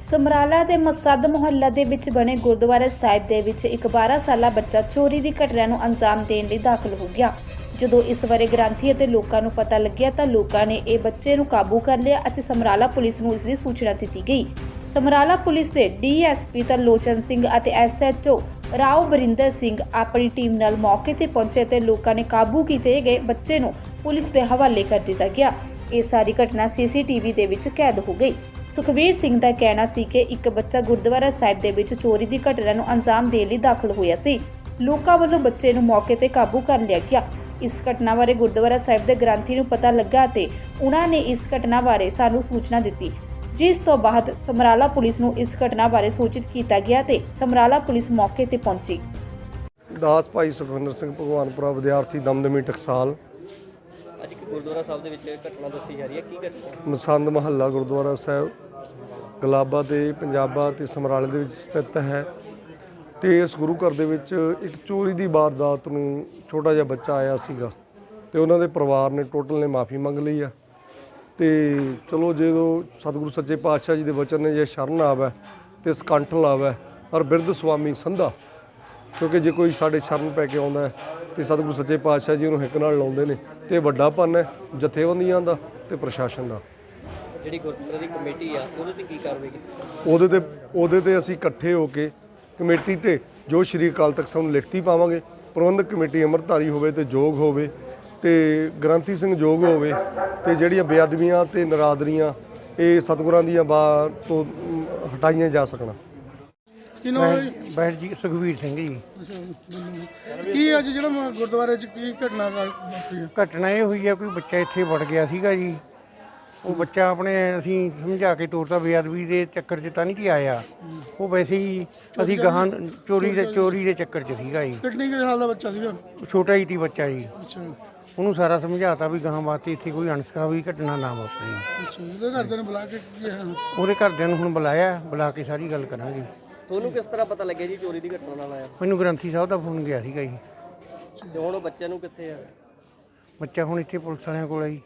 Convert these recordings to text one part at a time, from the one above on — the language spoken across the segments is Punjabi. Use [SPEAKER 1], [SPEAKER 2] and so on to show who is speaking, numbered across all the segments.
[SPEAKER 1] ਸਮਰਾਲਾ ਦੇ ਮਸਦ ਮੁਹੱਲਾ ਦੇ ਵਿੱਚ ਬਣੇ ਗੁਰਦੁਆਰਾ ਸਾਹਿਬ ਦੇ ਵਿੱਚ ਇੱਕ 12 ਸਾਲਾ ਬੱਚਾ ਚੋਰੀ ਦੀ ਘਟਨਾ ਨੂੰ ਅੰਜਾਮ ਦੇਣ ਲਈ ਦਾਖਲ ਹੋ ਗਿਆ। ਜਦੋਂ ਇਸ ਬਾਰੇ ਗ੍ਰੰਥੀ ਅਤੇ ਲੋਕਾਂ ਨੂੰ ਪਤਾ ਲੱਗਿਆ ਤਾਂ ਲੋਕਾਂ ਨੇ ਇਹ ਬੱਚੇ ਨੂੰ ਕਾਬੂ ਕਰ ਲਿਆ ਅਤੇ ਸਮਰਾਲਾ ਪੁਲਿਸ ਨੂੰ ਇਸ ਦੀ ਸੂਚਨਾ ਦਿੱਤੀ ਗਈ। ਸਮਰਾਲਾ ਪੁਲਿਸ ਦੇ ਡੀਐਸਪੀ ਤਰਲੋਚਨ ਸਿੰਘ ਅਤੇ ਐਸਐਚਓ ਰਾਓ ਬਰਿੰਦਰ ਸਿੰਘ ਆਪਣੀ ਟੀਮ ਨਾਲ ਮੌਕੇ ਤੇ ਪਹੁੰਚੇ ਤੇ ਲੋਕਾਂ ਨੇ ਕਾਬੂ ਕੀਤੇ ਗਏ ਬੱਚੇ ਨੂੰ ਪੁਲਿਸ ਦੇ ਹਵਾਲੇ ਕਰ ਦਿੱਤਾ ਗਿਆ। ਇਹ ਸਾਰੀ ਘਟਨਾ ਸੀਸੀਟੀਵੀ ਦੇ ਵਿੱਚ ਕੈਦ ਹੋ ਗਈ। ਸੁਖਬੀਰ ਸਿੰਘ ਦਾ ਕਹਿਣਾ ਸੀ ਕਿ ਇੱਕ ਬੱਚਾ ਗੁਰਦੁਆਰਾ ਸਾਹਿਬ ਦੇ ਵਿੱਚ ਚੋਰੀ ਦੀ ਘਟਨਾ ਨੂੰ ਅੰਜਾਮ ਦੇਣ ਲਈ ਦਾਖਲ ਹੋਇਆ ਸੀ। ਲੋਕਾਂ ਵੱਲੋਂ ਬੱਚੇ ਨੂੰ ਮੌਕੇ ਤੇ ਕਾਬੂ ਕਰ ਲਿਆ ਗਿਆ। ਇਸ ਘਟਨਾ ਬਾਰੇ ਗੁਰਦੁਆਰਾ ਸਾਹਿਬ ਦੇ ਗ੍ਰੰਥੀ ਨੂੰ ਪਤਾ ਲੱਗਾ ਤੇ ਉਹਨਾਂ ਨੇ ਇਸ ਘਟਨਾ ਬਾਰੇ ਸਾਨੂੰ ਸੂਚਨਾ ਦਿੱਤੀ, ਜਿਸ ਤੋਂ ਬਾਅਦ ਸਮਰਾਲਾ ਪੁਲਿਸ ਨੂੰ ਇਸ ਘਟਨਾ ਬਾਰੇ ਸੂਚਿਤ ਕੀਤਾ ਗਿਆ ਤੇ ਸਮਰਾਲਾ ਪੁਲਿਸ ਮੌਕੇ ਤੇ ਪਹੁੰਚੀ।
[SPEAKER 2] ਦਾਸ ਭਾਈ ਸੁਖਵਿੰਦਰ ਸਿੰਘ ਭਗਵਾਨਪੁਰਾ ਵਿਦਿਆਰਥੀ ਦਮਦਮੀ ਟਕਸਾਲ।
[SPEAKER 3] ਅੱਜ ਇੱਕ ਗੁਰਦੁਆਰਾ ਸਾਹਿਬ ਦੇ ਵਿੱਚ ਘਟਨਾ ਦੱਸੀ ਜਾ ਰਹੀ ਹੈ, ਕੀ ਘਟਨਾ?
[SPEAKER 2] ਮਸੰਦ ਮਹੱਲਾ ਗੁਰਦੁਆਰਾ ਸਾਹਿਬ ਗਲਾਬਾ ਤੇ ਪੰਜਾਬਾ ਤੇ ਸਮਰਾਲੇ ਦੇ ਵਿੱਚ ਸਥਿਤ ਹੈ ਤੇ ਇਸ ਗੁਰੂ ਘਰ ਦੇ ਵਿੱਚ ਇੱਕ ਚੋਰੀ ਦੀ ਵਾਰਦਾਤ ਨੂੰ ਛੋਟਾ ਜਿਹਾ ਬੱਚਾ ਆਇਆ ਸੀਗਾ ਤੇ ਉਹਨਾਂ ਦੇ ਪਰਿਵਾਰ ਨੇ ਟੋਟਲ ਨੇ ਮਾਫੀ ਮੰਗ ਲਈ ਆ ਤੇ ਚਲੋ ਜਦੋਂ ਸਤਿਗੁਰੂ ਸੱਚੇ ਪਾਤਸ਼ਾਹ ਜੀ ਦੇ ਵਚਨ ਨੇ ਜੇ ਸ਼ਰਨ ਆਵੇ ਤੇ ਸਕੰਠ ਲਾਵੇ ਔਰ ਬਿਰਧ ਸੁਆਮੀ ਸੰਧਾ, ਕਿਉਂਕਿ ਜੇ ਕੋਈ ਸਾਡੇ ਸ਼ਰਨ ਪੈ ਕੇ ਆਉਂਦਾ ਹੈ ਤੇ ਸਤਿਗੁਰੂ ਸੱਚੇ ਪਾਤਸ਼ਾਹ ਜੀ ਉਹਨੂੰ ਹਿੱਕ ਨਾਲ ਲਾਉਂਦੇ ਨੇ ਤੇ ਵੱਡਾ ਪੰਨ ਹੈ ਜਥੇਬੰਦੀਆਂ ਦਾ ਤੇ ਪ੍ਰਸ਼ਾਸਨ ਦਾ।
[SPEAKER 3] ਜਿਹੜੀ ਗੁਰਦੁਆਰੇ ਦੀ ਕਮੇਟੀ ਆ ਉਹਦੇ ਤੇ ਕੀ ਕਾਰਵਾਈ ਕੀਤੀ?
[SPEAKER 2] ਉਹਦੇ ਤੇ ਅਸੀਂ ਇਕੱਠੇ ਹੋ ਕੇ ਕਮੇਟੀ ਤੇ ਜੋ ਸ਼੍ਰੀ ਅਕਾਲ ਤਖਤ ਸਾਹਿਬ ਨੂੰ ਲਿਖਤੀ ਪਾਵਾਂਗੇ। ਪ੍ਰਬੰਧਕ ਕਮੇਟੀ ਅੰਮ੍ਰਿਤਧਾਰੀ ਹੋਵੇ ਤੇ ਯੋਗ ਹੋਵੇ ਤੇ ਗ੍ਰੰਥੀ ਸਿੰਘ ਯੋਗ ਹੋਵੇ ਤੇ ਜਿਹੜੀਆਂ ਬੇਅਦਬੀਆਂ ਤੇ ਨਰਾਦਰੀਆਂ ਇਹ ਸਤਿਗੁਰਾਂ ਦੀਆਂ ਤੋਂ ਹਟਾਈਆਂ ਜਾ ਸਕਣ।
[SPEAKER 4] ਬੈਠ ਜੀ ਸੁਖਬੀਰ ਸਿੰਘ ਜੀ।
[SPEAKER 5] ਕੀ ਅੱਜ ਜਿਹੜਾ ਗੁਰਦੁਆਰੇ 'ਚ ਕੀ ਘਟਨਾ ਵਾਪਰੀ?
[SPEAKER 4] ਘਟਨਾ ਇਹ ਹੋਈ ਆ, ਕੋਈ ਬੱਚਾ ਇੱਥੇ ਵੜ ਗਿਆ ਸੀਗਾ ਜੀ। ਉਹ ਬੱਚਾ ਆਪਣੇ ਅਸੀਂ ਸਮਝਾ ਕੇ ਤੋਰਤਾ, ਬੇਅਦਬੀ ਦੇ ਚੱਕਰ 'ਚ ਤਾਂ ਨਹੀਂ ਕਿ ਆਇਆ, ਉਹ ਵੈਸੇ ਹੀ ਅਸੀਂ ਗਾਹਾਂ ਚੋਰੀ ਦੇ ਚੱਕਰ 'ਚ ਸੀਗਾ ਜੀ।
[SPEAKER 5] ਕਿੰਨੇ ਸਾਲ ਦਾ ਬੱਚਾ ਸੀਗਾ?
[SPEAKER 4] ਛੋਟਾ ਹੀ ਸੀ ਬੱਚਾ ਜੀ।
[SPEAKER 5] ਅੱਛਾ,
[SPEAKER 4] ਉਹਨੂੰ ਸਾਰਾ ਸਮਝਾਤਾ ਵੀ ਗਾਹਾਂ ਵਾਸਤੇ ਇੱਥੇ ਕੋਈ ਅਣਸਖਾਵੀ ਘਟਨਾ ਨਾ ਵਾਪਰੇ।
[SPEAKER 5] ਅੱਛਾ, ਉਹਦੇ ਘਰਦਿਆਂ ਨੂੰ ਬੁਲਾ ਕੇ
[SPEAKER 4] ਉਹਦੇ ਘਰਦਿਆਂ ਨੂੰ ਹੁਣ ਬੁਲਾ ਕੇ ਸਾਰੀ ਗੱਲ ਕਰਾਂਗੇ।
[SPEAKER 3] ਤੁਹਾਨੂੰ ਕਿਸ ਤਰ੍ਹਾਂ ਪਤਾ ਲੱਗਿਆ ਜੀ ਚੋਰੀ ਦੀ ਘਟਨਾ ਨਾਲ ਆਇਆ?
[SPEAKER 4] ਮੈਨੂੰ ਗ੍ਰੰਥੀ ਸਾਹਿਬ ਦਾ ਫੋਨ ਗਿਆ ਸੀਗਾ ਜੀ।
[SPEAKER 3] ਤੇ ਹੁਣ ਉਹ ਬੱਚੇ ਨੂੰ ਕਿੱਥੇ ਆ?
[SPEAKER 4] ਬੱਚਾ ਹੁਣ ਇੱਥੇ ਪੁਲਿਸ ਵਾਲਿਆਂ ਕੋਲ ਆ ਜੀ।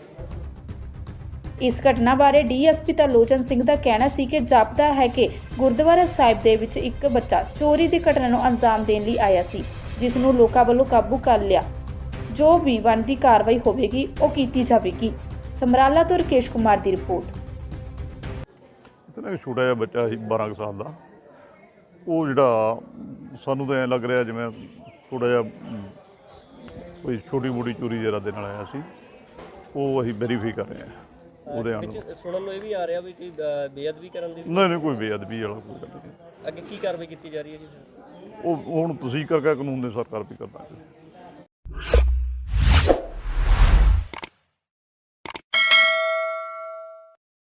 [SPEAKER 1] ਇਸ ਘਟਨਾ ਬਾਰੇ ਡੀਐਸਪੀ ਤਰਲੋਚਨ ਸਿੰਘ ਦਾ ਕਹਿਣਾ ਸੀ ਕਿ ਜਾਪਦਾ ਹੈ ਕਿ ਗੁਰਦੁਆਰਾ ਸਾਹਿਬ ਦੇ ਵਿੱਚ ਇੱਕ ਬੱਚਾ ਚੋਰੀ ਦੀ ਘਟਨਾ ਨੂੰ ਅੰਜਾਮ ਦੇਣ ਲਈ ਆਇਆ ਸੀ, ਜਿਸ ਨੂੰ ਲੋਕਾਂ ਵੱਲੋਂ ਕਾਬੂ ਕਰ ਲਿਆ। ਜੋ ਵੀ ਬਣਦੀ ਕਾਰਵਾਈ ਹੋਵੇਗੀ ਉਹ ਕੀਤੀ ਜਾਵੇਗੀ। ਸਮਰਾਲਾ ਤੋਂ ਰਕੇਸ਼ ਕੁਮਾਰ ਦੀ ਰਿਪੋਰਟ।
[SPEAKER 6] ਇਤਨਾ ਛੋਟਾ ਜਿਹਾ ਬੱਚਾ ਸੀ 12 ਸਾਲ ਦਾ। ਉਹ ਜਿਹੜਾ ਸਾਨੂੰ ਤਾਂ ਐਂ ਲੱਗ ਰਿਹਾ ਜਿਵੇਂ ਥੋੜ੍ਹਾ ਜਿਹਾ ਕੋਈ ਛੋਟੀ ਮੋਟੀ ਚੋਰੀ ਦੇ ਇਰਾਦੇ ਨਾਲ ਆਇਆ ਸੀ। ਉਹ ਅਸੀਂ ਵੈਰੀਫਾਈ ਕਰ ਰਹੇ ਹਾਂ। ਉਹਦੇ ਨਾਲ
[SPEAKER 3] ਸੁਣਨ ਨੂੰ ਇਹ ਵੀ ਆ ਰਿਹਾ ਵੀ ਕੋਈ ਬੇਅਦਬੀ ਕਰਨ ਦੀ?
[SPEAKER 6] ਨਹੀਂ, ਕੋਈ ਬੇਅਦਬੀ ਵਾਲਾ ਕੋਈ ਗੱਲ ਨਹੀਂ।
[SPEAKER 3] ਅੱਗੇ ਕੀ ਕਾਰਵਾਈ ਕੀਤੀ ਜਾ ਰਹੀ ਹੈ ਜੀ?
[SPEAKER 6] ਉਹ ਹੁਣ ਤੁਸੀਂ ਕਰਕੇ ਕਾਨੂੰਨ ਦੇ ਸਰਕਾਰ ਵੀ ਕਰਨਾ।